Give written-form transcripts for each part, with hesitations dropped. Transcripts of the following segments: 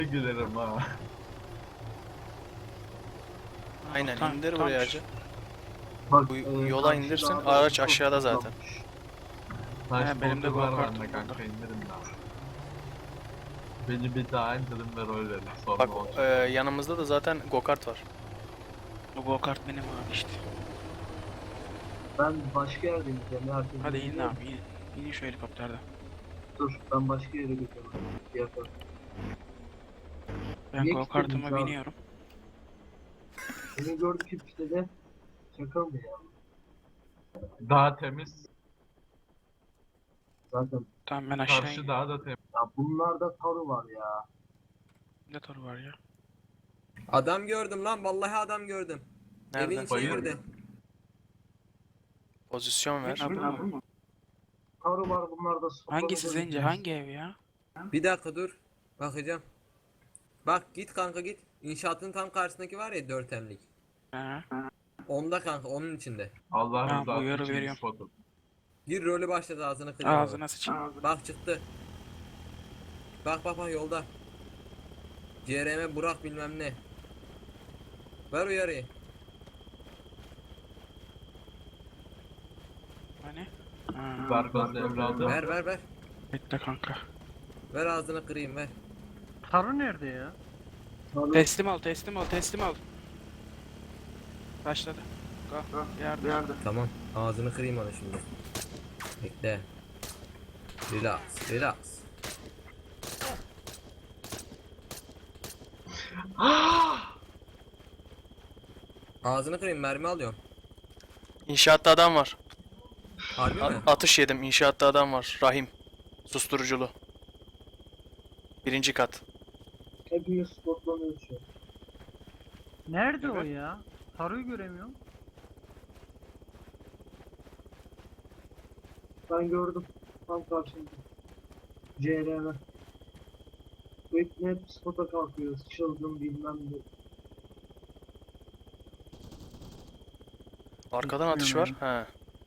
Giderim ha. Aynen Tank, indir tank. buraya hacı. Bak, Bu yola karşı indirsin, dağda araç çok aşağıda zaten. toplanmış. Taş benim de boltu var go-kartım bende kanka burada. indirin daha. Beni bir daha indirin ver öyle dedim. Sonra Bak olacak. yanımızda da zaten go-kart var. O go-kart benim abi işte. Ben başka yerdeyim. Herkes Hadi inin biliyor. abi inin. İnin şu helikopterden. Dur, ben başka yere gidiyorum. Diğer tarafa. Ben Niye go-kartıma kilitlediniz abi? biniyorum. Beni gördü ki işte de şaka mı ya? Daha temiz. Zaten Tamam ben aşağı Karşı iniyorum. daha da temiz. ya bunlarda taru var ya. Ne toru var ya? Adam gördüm lan, vallahi adam gördüm. Nerede? Evin içine Bayır. girdi. Pozisyon ver. Ha, bu mu? Taru var bunlarda. Hangisi Zence? Hangi ev ya? Bir dakika dur. Bakacağım. Bak git kanka git. İnşaatın tam karşısındaki var ya 4M'lik. Ha. Onda kanka, onun içinde. Allah Tamam, rızası uyarı için veriyorum. spotu. Gir rolü başladı, ağzını kırıyor. Ağzına sıçayım. Bak çıktı. Bak bak bak yolda. CRM Burak bilmem ne. Ver uyarıyı. Hani? Ha. Zargaz evladım. Ver ver ver. Bekle kanka. Ver ağzını kırayım ver. Taru nerede ya? Taru Teslim ol, teslim ol, teslim ol. Başladı. Go. Yardım. Tamam. Ağzını kırayım onu şimdi. Bekle. Relax, relax. Ağzını kırayım, mermi alıyorum. İnşaatta adam var. Harbi mi? Atış yedim. İnşaatta adam var. Rahim. Susturuculu. Birinci kat. hepimiz spotlanıyor şu an. Nerede Evet. o ya? Taru'yu göremiyorum. Ben gördüm. Tam karşımda. CRM. Hep spota kalkıyoruz. Çılgın bilmem ne. Arkadan atış var. He.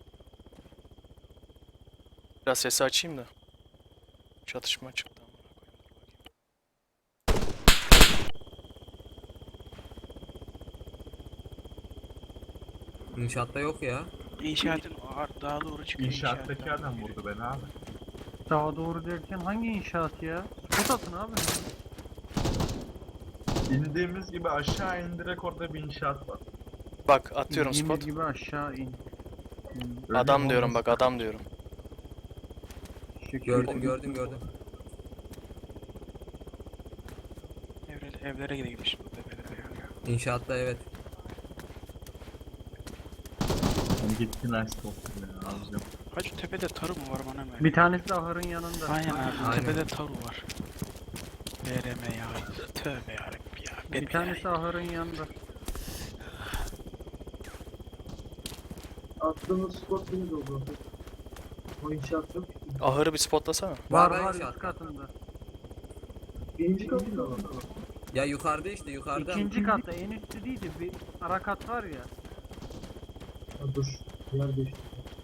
Biraz sesi açayım da. Çatışma çıktı. İnşaatta yok ya. İnşaatın daha doğru çıkıyor. İnşaattaki inşaattan. adam vurdu beni abi. Daha doğru derken hangi inşaat ya? Spot atın abi. İndiğimiz gibi aşağı in direkt orada bir inşaat var. Bak atıyorum İndiğimiz spot. gibi aşağı in. Öyle Adam mi diyorum olmaz? bak adam diyorum. Şükür. Gördüm gördüm gördüm. Evlere gidelim şimdi. Tepelere ya. İnşaatta evet. Hani gittin açtı olsun ya alacağım. Hacı tepede tarı mı var bana mı? Bir tanesi de ahırın yanında. Aynen abi. Aynen. Tepede taru var. BRM ya. Tövbe yarabbim ya. Bir tanesi ahırın yanında. Attığımız spot değil o zaman. O inşaat yok ki. Ahırı bir spotlasana. Var Var var inşaatta. üst katında. Birinci katında var. Ya yukarıda işte yukarıda. İkinci katta en üstte değildi. Bir ara kat var ya. Ha, dur. Yer değişti.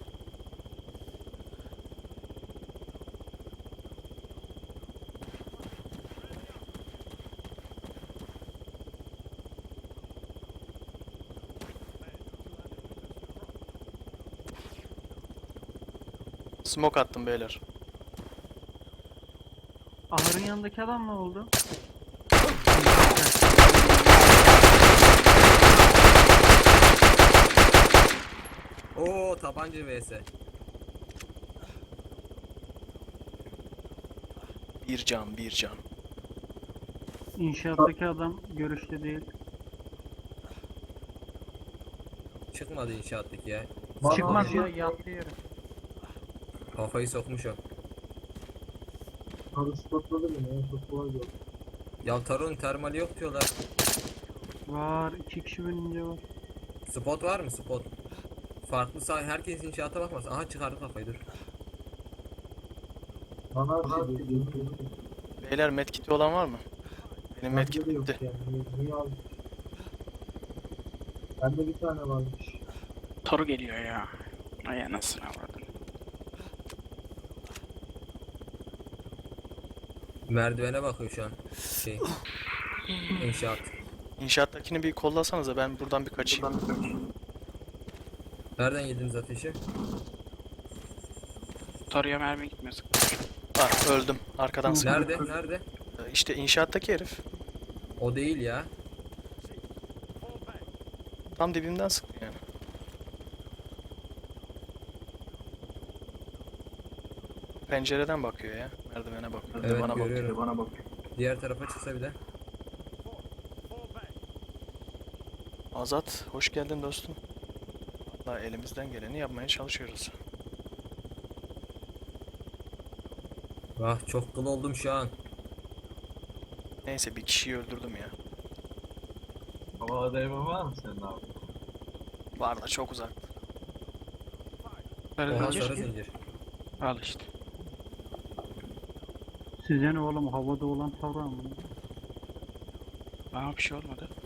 Smoke attım beyler. Ahırın yanındaki adam ne oldu? Oo tabanca vs. Bir can bir can. İnşaattaki adam görüşte değil. Çıkmadı inşaattaki ya. Bana Çıkmaz bir ya şey- yattı yere. Kafayı sokmuş o. Taru spotladı beni ya. Çok kolay oldu. Ya Tarun termali yok diyorlar. Var. 2 kişi binince var. Spot var mı spot? Farklı sah, herkes inşaata bakmaz. Aha çıkardı kafayı dur. Bana bir şey diyor. Beyler medkiti olan var mı? Benim medkit Bende de yok bitti. yani. Niye aldın? Bende bir tane varmış. Taru geliyor ya. Ay anasını avradın. Merdivene bakıyor şu an. Şey. İnşaat. İnşaattakini bir kollasanıza, ben buradan bir kaçayım. Nereden yediniz ateşi? Tarıya mermi gitmesin. Ah, öldüm. Arkadan sıktı. Nerede? Nerede? İşte inşaattaki herif. O değil ya. Tam dibimden sıktı yani. Pencereden bakıyor ya. Merdivene bakıyor. Evet, Bana bakıyor. görüyorum. Diğer tarafa çıksa bir de. Azat, hoş geldin dostum. Vallahi elimizden geleni yapmaya çalışıyoruz. Ah, çok kıl oldum şu an. Neyse, bir kişiyi öldürdüm ya. Hava değme var mı senin abi? Var da çok uzak. Sarı Oha, zincir. sarı zincir. Al işte. Size ne oğlum havada olan tavra mı? Bana bir şey olmadı.